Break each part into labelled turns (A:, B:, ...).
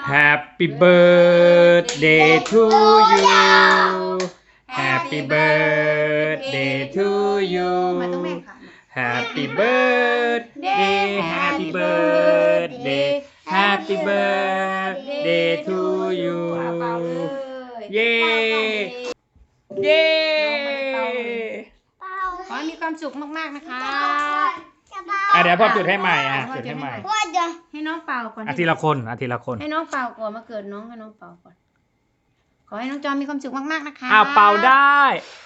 A: Happy birthday to you Happy birthday to you
B: มาต้องแม่ค่ะ
A: Happy birthday Happy birthday Happy birthday to you
B: เป่าเลย
A: เย้เย้
B: ขอให้มีความสุขมากๆนะคะ
A: เดี๋ยวพ่อจุดให้ใหม่จุดให้ใหม่
B: ให้น้องเป่าก่อน
A: ทีละคนทีละคน
B: ให้น้องเป่าก่อนมาเกิดน้องให้น้องเป่าก่อนขอให้น้องจอมมีความสุขมากๆนะคะ
A: เป่าได้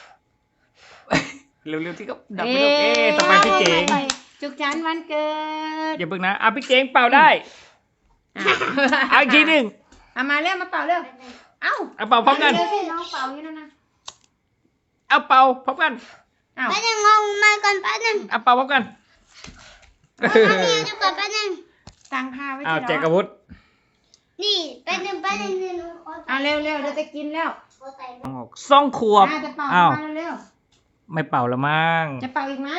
A: เร็วๆที่ก็ดับไม่ได้ต่อไปพี่เจ๋ง
B: จุกจันวันเกิด
A: อย่าเพิ่งนะพี่เจ๋งเป่าได้เอาอีกทีหนึ่ง
B: เอามาเร็วมาเป่าเร็วเอ้า
A: เป่าพร้อมกัน
B: เร็วสิน้องเป่าอยู่นั่นนะ
A: เป่าพร้อมกัน
B: เอ้า
C: แป๊บนึงงงมาก่อนแป๊บนึง
A: เป่าพร้อมกัน
C: มีอยู่ก่อนแป๊บนึง
B: ตั้งผ้าไว้
A: แจกอาวุธ
C: นี่แป๊บนึง
B: เอาเร็วเร็วเดี๋ยวจะกินแล้ว
A: 2 ขวบ
B: จะเป่ามาเร็ว
A: ไม่เป่าแล้วมั้ง
B: จะเป่าอีกไหม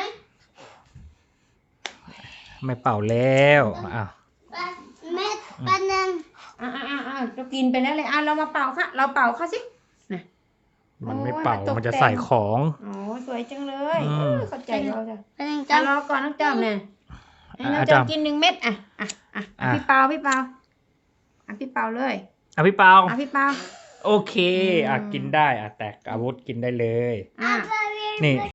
A: ไม่เป่าแล้ว
C: แม่แป๊บนึง
B: เรากินไปแล้วเลยเรามาเป่าค่ะเราเป่าค่ะสิ
A: มันไม่เป่ามันจะใส่ของ
B: โอ้สวยจังเลยเข้าใจเราจ้ะ
C: แป๊บนึง
B: จะ
C: จ้ะ
B: รอก่อนน้องจอมเนี่ยให้น้องจอมกิน1 เม็ดพี่เปาพี่เปาพี่เปาเลย
A: พี่เป่า
B: พี่เปา
A: โอเคกินได้แตกอาวุธกินได้เลย นี่